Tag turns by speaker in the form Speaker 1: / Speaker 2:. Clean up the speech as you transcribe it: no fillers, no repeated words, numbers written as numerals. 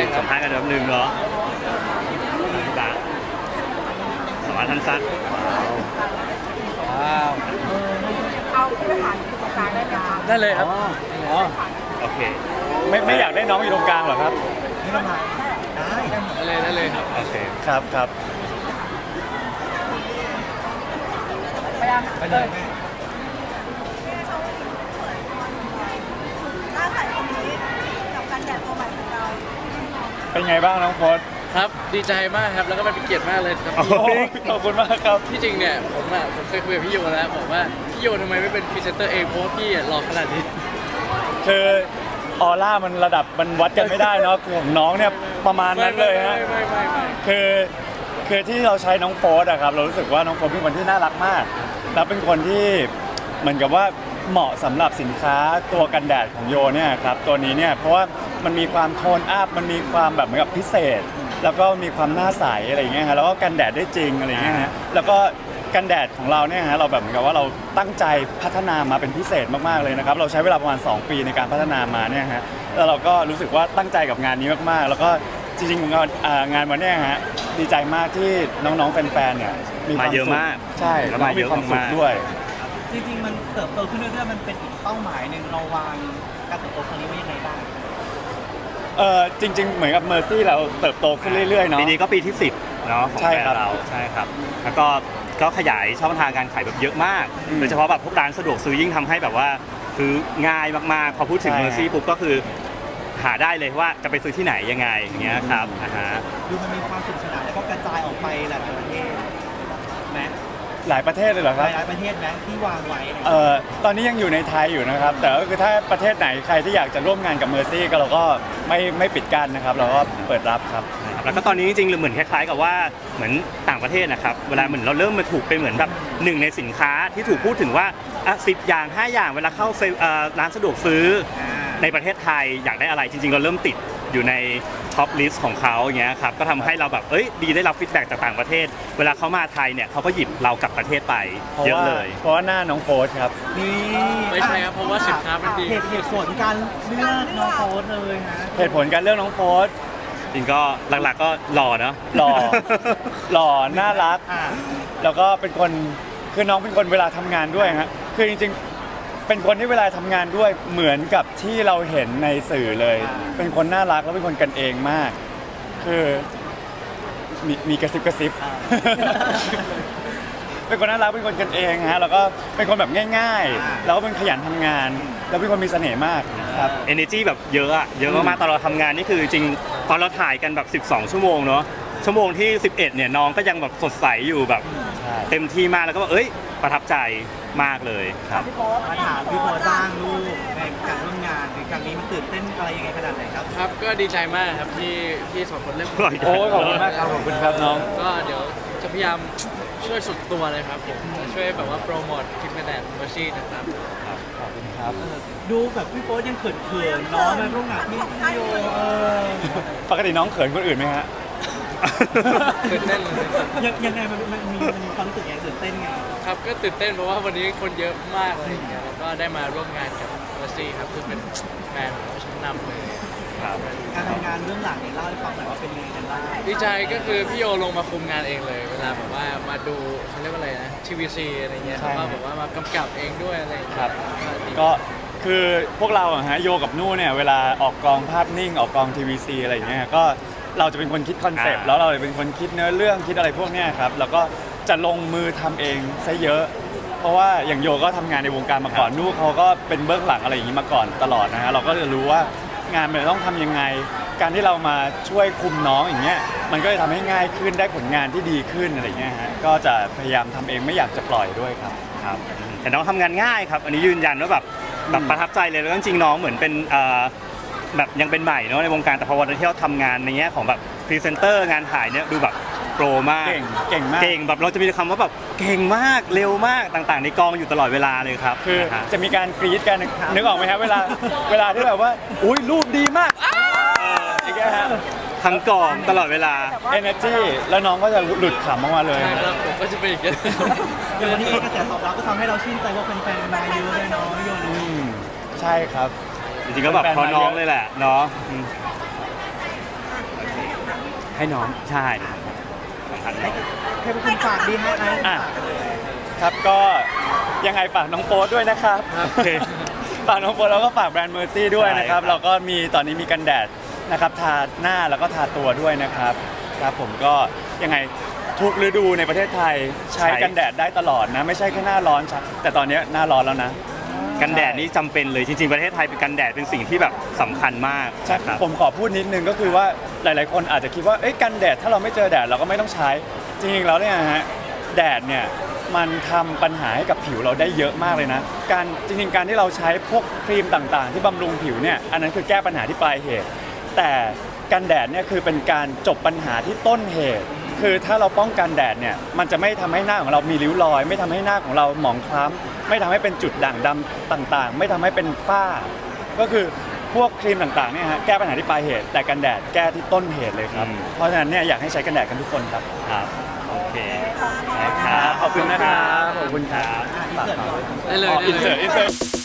Speaker 1: สัมภาษณ์กันแบบนึงเนาะจ้ะสวัสดีท่านซัก
Speaker 2: ว้าว
Speaker 3: เอาผู้บริหารอยู่ตรงกลางได้ไหมคะ
Speaker 2: ได้เลยครับ
Speaker 1: อ๋อโอเค
Speaker 2: ไม่อยากได้น้องอยู่ตรงกลางหรอครับไม่ต้องมาได้เลยครับ
Speaker 1: โอเค
Speaker 2: ครับ
Speaker 3: ไปเลยแม่หน้าใสคนนี้กับการแดดตัวใหม่ของเรา
Speaker 2: เป็นไงบ้างน้องโฟส
Speaker 4: ครับดีใจมากครับแล้วก็เป็นเกียรติมากเลยครับ
Speaker 2: ขอบคุณมากครับ
Speaker 4: ที่จริงเนี่ยผมเคยคุยกับพี่โยแล้วบอกว่าพี่โยทำไมไม่เป็นพรีเซนเตอร์เองเพราะว่าพี่หล่อขนาดนี้
Speaker 2: คือออร่ามันระดับมันวัดกันไม่ได้เนาะของน้องเนี่ยประมาณนั้นเลยฮะ
Speaker 4: ไม่
Speaker 2: คือที่เราใช้น้องโฟสอะครับเรารู้สึกว่าน้องโฟสเป็นคนที่น่ารักมากแล้วเป็นคนที่เหมือนกับว่าเหมาะสำหรับสินค้าตัวกันแดดของโยเนี่ยครับตัวนี้เนี่ยเพราะว่ามันมีความโทนอัพมันมีความแบบเหมือนกับพิเศษแล้วก็มีความหน้าใสอะไรอย่างเงี้ยฮะแล้วก็กันแดดได้จริงอะไรอย่างเงี้ยฮะแล้วก็กันแดดของเราเนี่ยฮะเราแบบเหมือนกับว่าเราตั้งใจพัฒนามาเป็นพิเศษมากๆเลยนะครับเราใช้เวลาประมาณ2 ปีในการพัฒนามาเนี่ยฮะแล้วเราก็รู้สึกว่าตั้งใจกับงานนี้มากๆแล้วก็จริงๆงานวันนี้ฮะดีใจมากที่น้องๆแฟนๆเนี่ย
Speaker 1: มาเยอะมาก
Speaker 2: ใช่แล้วมีความสุขด้วย
Speaker 5: จริงๆมันเติบโตขึ้นเรื่อยๆมันเป็นอีกเป้าหมายหนึ่งเราวางการเติบโตครั้งนี้ไว้ยังไงบ้าง
Speaker 2: จริงๆเหมือนกับเมอร์ซี่เราเติบโตขึ้นเรื่อยๆเนาะ
Speaker 1: ปีนี้ก็ปีที่10เนาะของแบรนด์เราใช่ครับแล้วก็ขยายช่องทางการขายแบบเยอะมากโดยเฉพาะแบบพวกร้านสะดวกซื้อยิ่งทำให้แบบว่าซื้อง่ายมากๆพอพูดถึงเมอร์ซี่ปุ๊บก็คือหาได้เลยว่าจะไปซื้อที่ไหนยังไงอย่างเงี้ยครับ
Speaker 5: ดูมันมีความสนุกสนานแล้วก็กระจายออกไปหลายประเทศไหม
Speaker 2: หลายประเทศเลยเหรอครับ
Speaker 5: หลายประเทศไหมที่วางไว้
Speaker 2: ตอนนี้ยังอยู่ในไทยอยู่นะครับแต่ก็คือถ้าประเทศไหนใครที่อยากจะร่วมงานกับเมอร์ซี่ก็เราก็ไม่ปิดกั้นนะครับเราก็เปิดรับครับ
Speaker 1: แล้วก็ตอนนี้จริงๆเหมือนคล้ายๆกับว่าเหมือนต่างประเทศนะครับเวลาเหมือนเราเริ่มมาถูกเป็นเหมือนแบบหนึ่งในสินค้าที่ถูกพูดถึงว่า10 อย่าง 5 อย่างเวลาเข้าร้านสะดวกซื้อในประเทศไทยอยากได้อะไรจริงๆเราเริ่มติดอยู่ในท็อปลิสต์ของเขาอย่างเงี้ยครับก็ทำให้เราแบบดีได้รับฟีดแบ็กจากต่างประเทศเวลาเขามาไทยเนี่ยเขาก็หยิบเรากลับประเทศไปเยอะเลย
Speaker 2: เพราะว่าหน้าน้องโฟสครับ
Speaker 5: นี่
Speaker 4: ไม่ใช่ครับเพราะว่าสินค้ามันดี
Speaker 5: เหตุผลการเลือกน้องโฟสเลยฮะ
Speaker 2: เหตุผลการเลือกน้องโฟส
Speaker 1: จริงก็หลักๆก็หล่อเนาะ
Speaker 2: หล่อน่ารักแล้วก็เป็นคนคือน้องเป็นคนเวลาทำงานด้วยฮะคือจริงๆเป็นคนที่เวลาทำงานด้วยเหมือนกับที่เราเห็นในสื่อเลยเป็นคนน่ารักแล้วเป็นคนกันเองมากคือมีกระซิบเป็นคนน่ารักเป็นคนกันเองฮะแล้วก็เป็นคนแบบง่ายๆแล้วก็เป็นขยันทำงานแล้วเป็นคนมีเสน่ห์มากครับ
Speaker 1: energy แบบเยอะมากๆตอนเราทำงานนี่คือจริงตอนเราถ่ายกันแบบ12 ชั่วโมงเนาะชั่วโมงที่11เนี่ยน้องก็ยังแบบสดใสอยู่แบบเต็มที่มากแล้วก็ประทับใจมากเลยครับ
Speaker 5: มาถามพี่โพสร้างลูกในการร่วมงานในครั้งนี้มันตื่นเต้นอะไรยังไงขนาดไหนครับ
Speaker 4: ครับก็ดีใจมากครับที่2 คนเล่น
Speaker 2: โอ้ขอบคุณมากครับขอบคุณครับน้อง
Speaker 4: ก็เดี๋ยวจะพยายามช่วยสุดตัวเลยครับผมช่วยแบบว่าโปรโมทคลิปแดดเมอร์ซี่นะครับ
Speaker 2: ขอบคุณครับ
Speaker 5: ดูแบบพี่โป๊ยังเขินๆน้องมาร่วมงานพี่โย
Speaker 2: ปกติน้องเขินคนอื่นไหมฮะ
Speaker 4: ตื่นเต้นเลย
Speaker 5: ยังไงมันมีความรู้สึกยังตื่นเต้นไง
Speaker 4: ครับก็ตื่นเต้นเพราะว่าวันนี้คนเยอะมากเลยแล้วก็ได้มาร่วมงานกับเมอร์ซี่ครับคือเป็นแบรนด์ของชั้นนำเลย
Speaker 5: การทำงานเรื่องหลังเนี่ยเล่าให้ฟังหน่อยว่าเป็นยังไงกันบ้าง
Speaker 4: ดีใจก็คือพี่โยลงมาคุมงานเองเลยเวลาแบบว่ามาดูเขาเรียกว่าอะไรนะทีวีซีอะไรเงี้ยเขาก็แบบว่ามากำกับเองด้วยอะไร
Speaker 2: ครับก็คือพวกเราฮะโยกับนู่เนี่ยเวลาออกกองภาพนิ่งออกกองทีวีซีอะไรเงี้ยก็เราจะเป็นคนคิดคอนเซปต์แล้วเราจะเป็นคนคิดเนื้อเรื่องคิดอะไรพวกเนี้ยครับแล้วก็จะลงมือทำเองซะเยอะเพราะว่าอย่างโยก็ทำงานในวงการมาก่อนนู่เขาก็เป็นเบื้องหลังอะไรอย่างนี้มาก่อนตลอดนะฮะเราก็จะรู้ว่างานมันต้องทำยังไงการที่เรามาช่วยคุมน้องอย่างเงี้ยมันก็จะทำให้ง่ายขึ้นได้ผลงานที่ดีขึ้นอะไรเงี้ยฮะก็จะพยายามทำเองไม่อยากจะปล่อยด้วยครับ
Speaker 1: แต่น้องทำงานง่ายครับอันนี้ยืนยันว่าแบบประทับใจเลยแล้วจริงๆน้องเหมือนเป็นแบบยังเป็นใหม่เนาะในวงการแต่พอวันที่เราทำงานในแง่ของแบบพรีเซนเตอร์งานถ่ายเนี่ยดูแบบโปรมาก
Speaker 2: เก่งมาก
Speaker 1: เก่งแบบเราจะมีคำว่าแบบเก่งมากเร็วมากต่างๆในกองอยู่ตลอดเวลาเลยครับ
Speaker 2: คือจะมีการกรี๊ดกันนึกออกไหมครับเวลาที่แบบว่าอุ้ยรูปดีมากอย่างเงี้ยฮะ
Speaker 1: ทั้งกองตลอดเวลา
Speaker 2: energy แล้วน้องก็จะหลุดขำออกมาเลย
Speaker 4: ใช่ครับผมก็จะเป็นอย่างนี้
Speaker 5: อย่างวันนี้กระแสตอบรับก็ทำให้เราชื่นใจว่าแฟนๆมาเยอะเลยเนาะพี่โย
Speaker 2: ใช่ครับ
Speaker 1: จริงๆก็แบบเพราะน้องเลยแหละเนาะให้น้องใช่สำคัญน้อง
Speaker 5: ใครเป็นคนฝากดีให้ไอ้
Speaker 2: อ่ะครับก็ยังไงฝากน้องโฟสด้วยนะครับ
Speaker 1: โอเค
Speaker 2: ฝากน้องโฟสแล้วก็ฝากแบรนด์เมอร์ซี่ด้วยนะครับ
Speaker 1: ใช่ครับ
Speaker 2: เราก็มีตอนนี้มีกันแดดนะครับทาหน้าแล้วก็ทาตัวด้วยนะครับครับผมก็ยังไงทุกฤดูในประเทศไทยใช้กันแดดได้ตลอดนะไม่ใช่แค่หน้าร้อนครับแต่ตอนนี้หน้าร้อนแล้วนะ
Speaker 1: กันแดดนี่จำเป็นเลยจริงๆประเทศไทยเป็นกันแดดเป็นสิ่งที่แบบสำคัญมาก
Speaker 2: ใช่
Speaker 1: ครับ
Speaker 2: ผมขอพูดนิดนึงก็คือว่าหลาย ๆ คนอาจจะคิดว่าเอ้ยกันแดดถ้าเราไม่เจอแดดเราก็ไม่ต้องใช้จริงๆแล้วเนี่ยฮะแดดเนี่ยมันทำปัญหาให้กับผิวเราได้เยอะมากเลยนะการจริงๆการที่เราใช้พวกครีมต่างๆ ที่บำรุงผิวเนี่ยอันนั้นคือแก้ปัญหาที่ปลายเหตุ แต่กันแดดเนี่ยคือเป็นการจบปัญหาที่ต้นเหตุ คือถ้าเราป้องกันแดดเนี่ยมันจะไม่ทำให้หน้าของเรามีริ้วรอย ไม่ทำให้หน้าของเราหมองคล้ำไม่ทำให้เป็นจุดด่างดำต่างๆ ไม่ทำให้เป็นฝ้า ก็คือพวกครีมต่างๆเนี่ยฮะแก้ปัญหาที่ปลายเหตุ แต่กันแดดแก้ที่ต้นเหตุเลยครับ เพราะฉะนั้นเนี่ยอยากให้ใช้กันแดดกันทุกคนครับ
Speaker 1: ครับโอเค
Speaker 2: ครับขอบคุณนะครับขอบคุณครับ
Speaker 4: ได้เลย
Speaker 2: อิน
Speaker 4: ได้
Speaker 2: เสิ
Speaker 4: เล
Speaker 2: ร์ต
Speaker 4: ย
Speaker 2: อินเสิร์ต